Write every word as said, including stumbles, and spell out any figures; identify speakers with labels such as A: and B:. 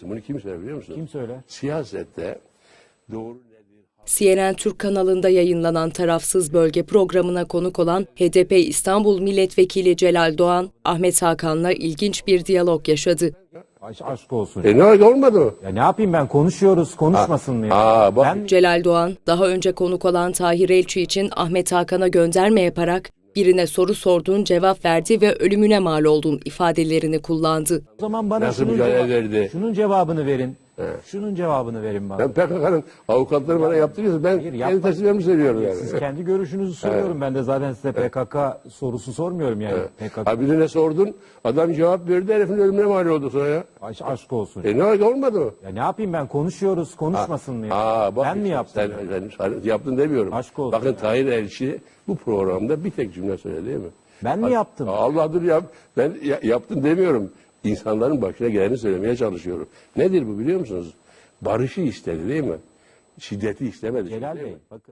A: Bunu kim söyler biliyor musun?
B: Kim söyler?
A: Siyasette doğru nedir?
C: C N N Türk kanalında yayınlanan Tarafsız Bölge programına konuk olan H D P İstanbul Milletvekili Celal Doğan, Ahmet Hakan'la ilginç bir diyalog yaşadı.
B: Aş, aşk olsun.
A: E ne oldu, olmadı mı?
B: Ya ne yapayım ben, konuşuyoruz, konuşmasın mı ya?
A: Aa, bak.
B: Ben
C: Celal Doğan, daha önce konuk olan Tahir Elçi için Ahmet Hakan'a gönderme yaparak birine soru sorduğun cevap verdi ve ölümüne mal olduğun ifadelerini kullandı.
B: o zaman bana
A: Nasıl
B: şunun,
A: mücadele
B: cevap-
A: verdi?
B: şunun cevabını verin. Şunun cevabını verin bana.
A: Ben P K K'nın avukatları bana yaptırıyorsa ben
B: Hayır,
A: kendi
B: yapma.
A: teslimlerimi söylüyorum yani.
B: Siz kendi görüşünüzü soruyorum. Ben de zaten size P K K sorusu sormuyorum yani. P K K
A: Ha birine sordun, adam cevap verdi, herifin ölümüne mal oldu sonra ya.
B: aş, aşk olsun.
A: E ne oldu, olmadı mı?
B: Ya ne yapayım ben, konuşuyoruz, konuşmasın mı ya?
A: Aa, bak
B: Ben mi
A: işte,
B: yaptım?
A: Sen, sen, sen yaptın demiyorum.
B: Aşk olsun
A: Bakın
B: ya.
A: Tahir Elçi bu programda bir tek cümle söyledi değil mi?
B: Ben mi yaptım?
A: Allah dur yap. Ben ya, yaptım demiyorum. İnsanların başına geleni söylemeye çalışıyorum. Nedir bu biliyor musunuz? Barışı istedi değil mi? Şiddeti istemedi.
B: Celal
A: değil
B: Bey,
A: mi?
B: bakın.